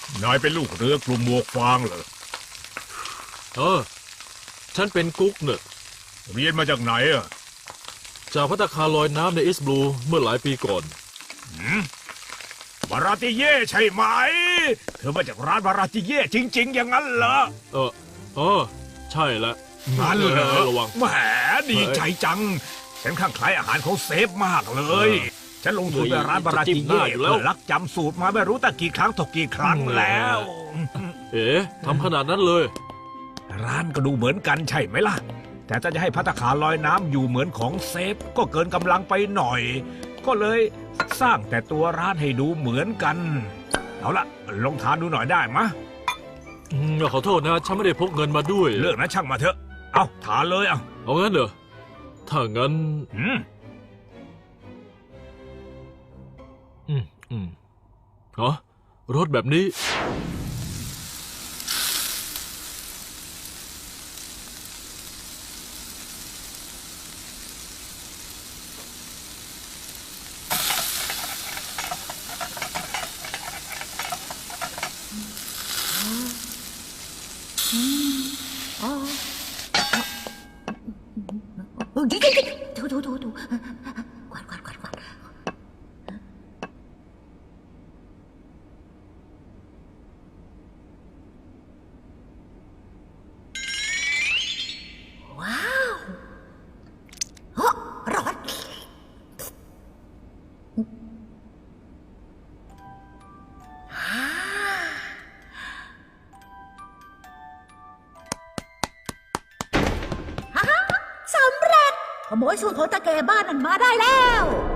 นายเป็นลูกเรือกลุ่มหมวกฟางเหรอฉันเป็นกุ๊กเนี่ยเรียนมาจากไหนอ่ะจากภัตตาคารลอยน้ำในอิสบลูเมื่อหลายปีก่อนบาราติเย่ใช่ไหมเธอมาจากร้านบาราติเย่จริงๆอย่างนั้นเหรอใช่แล้วนั่นเหรอระวังแหมดีใจจังฉันข้างคล้ายอาหารของเซฟมากเลยฉันลงทุนไปร้านบาราติเย่เพื่อลักจำสูตรมาไม่รู้ตั้งกี่ครั้งต่อกี่ครั้งแล้วทำขนาดนั้นเลยร้านก็ดูเหมือนกันใช่ไหมล่ะแต่ถ้าจะให้ภัตตาคารลอยน้ำอยู่เหมือนของเซฟก็เกินกำลังไปหน่อยก็เลยสร้างแต่ตัวร้านให้ดูเหมือนกันเอาละลองทานดูหน่อยได้มะขอโทษนะฉันไม่ได้พกเงินมาด้วยเรื่องนั้นช่างมาเถอะเอาทานเลยเอางั้นเหรอถ้างั้นรถแบบนี้ถูกวาดว้าวร้อนสำเร็จขโมยสูตรของตาแก่บ้านนั้นมาได้แล้ว